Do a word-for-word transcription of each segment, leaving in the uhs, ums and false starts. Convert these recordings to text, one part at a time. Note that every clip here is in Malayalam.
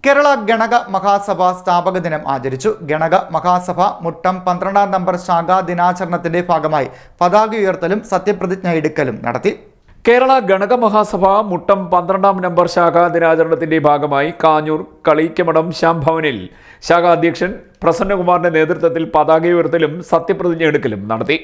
കേരള ഗണക മഹാസഭ സ്ഥാപക ദിനം ആചരിച്ചു. ഗണക മഹാസഭ മുട്ടം പന്ത്രണ്ടാം നമ്പർ ശാഖാ ദിനാചരണത്തിന്റെ ഭാഗമായി പതാക ഉയർത്തലും സത്യപ്രതിജ്ഞ എടുക്കലും നടത്തി. കേരള ഗണക മഹാസഭ മുട്ടം പന്ത്രണ്ടാം നമ്പർ ശാഖാ ദിനാചരണത്തിന്റെ ഭാഗമായി കാഞ്ഞൂർ കളീക്കമഠം ശ്യാം ഭവനിൽ ശാഖാ അധ്യക്ഷൻ പ്രസന്നകുമാറിന്റെ നേതൃത്വത്തിൽ പതാക ഉയർത്തലും സത്യപ്രതിജ്ഞ എടുക്കലും നടത്തി.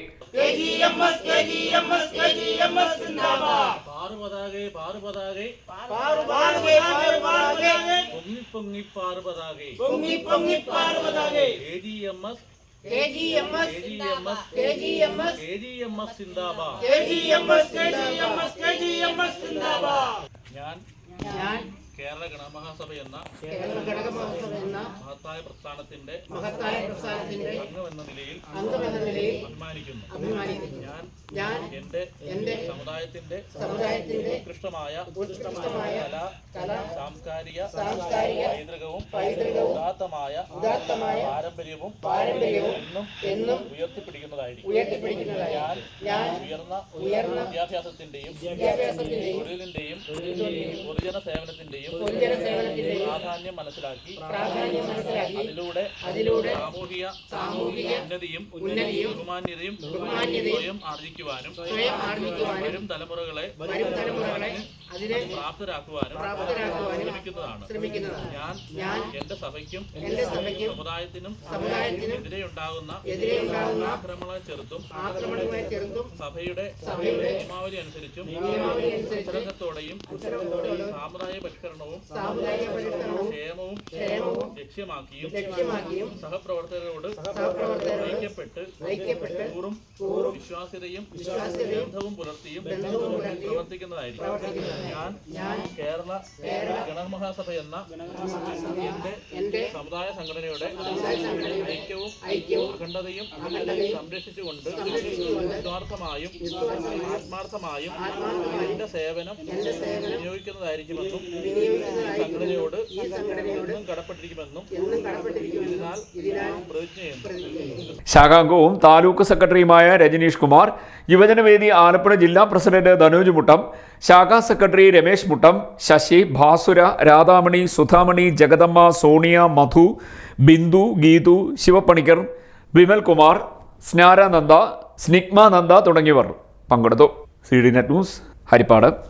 ഞാൻ കേരള ഗണമഹാസഭ എന്ന മഹത്തായ പ്രസ്ഥാനത്തിന്റെ അംഗമെന്ന നിലയിൽ അഭിമാനിക്കുന്നു. ഞാൻ എന്റെ സമുദായത്തിന്റെ ഉത്കൃഷ്ടമായ കലാ സാംസ്കാരിക പൈതൃകവും ഉദാത്തമായ പാരമ്പര്യവും എന്നും ഉയർത്തിപ്പിടിക്കുന്നതായിരിക്കും. ഞാൻ ഉയർന്ന വിദ്യാഭ്യാസത്തിന്റെയും തൊഴിലിന്റെയും പൊതുജന സേവനത്തിന്റെയും പ്രാധാന്യം മനസ്സിലാക്കി അതിലൂടെ സാമൂഹിക ഉന്നതിയും ബഹുമാന്യതയും സ്വയം ആർജിക്കുവാനും വരും തലമുറകളെ പ്രാപ്തരാക്കുവാനും ശ്രമിക്കുന്നതാണ്. ഞാൻ എന്റെ സഭയ്ക്കും സമുദായത്തിനും എതിരെയുണ്ടാകുന്ന ആക്രമണങ്ങളെ ചെറുത്തും സഭയുടെ നിയമാവലി അനുസരിച്ചും ഉത്തരത്തോടെയും സാമുദായിക പരിഷ്കരണവും ക്ഷേമവും ലക്ഷ്യമാക്കിയും സഹപ്രവർത്തകരോട് ഐക്യപ്പെട്ട് കൂറും വിശ്വാസ്യതയും ബന്ധവും പുലർത്തിയും പ്രവർത്തിക്കുന്നതായിരിക്കും. ഞാൻ കേരള ഗണമഹാസഭ എന്ന എന്റെ സമുദായ സംഘടനയുടെ ഐക്യവും അഖണ്ഡതയും സംരക്ഷിച്ചുകൊണ്ട് നിസ്വാർത്ഥമായും ആത്മാർത്ഥമായും എന്റെ സേവനം വിനിയോഗിക്കുന്നതായിരിക്കുമെന്നും സംഘടനയോട് എന്നും കടപ്പെട്ടിരിക്കുമെന്നും ഇതിനാൽ പ്രതിജ്ഞ ചെയ്യുന്നു. ശാഖാംഗവും താലൂക്ക് സെക്രട്ടറിയുമായ രജനീഷ് കുമാർ, യുവജനവേദി ആലപ്പുഴ ജില്ലാ പ്രസിഡന്റ് ധനോജ് മുട്ടം, ശാഖാ സെക്രട്ടറി രമേശ് മുട്ടം, ശശി, ഭാസുര, രാധാമണി, സുധാമണി, ജഗദമ്മ, സോണിയ, മധു, ബിന്ദു, ഗീതു, ശിവപ്പണിക്കർ, വിമൽ കുമാർ, സ്നാരാനന്ദ, സ്നിഗ്മാനന്ദ തുടങ്ങിയവർ പങ്കെടുത്തു. C D net news, Harippad.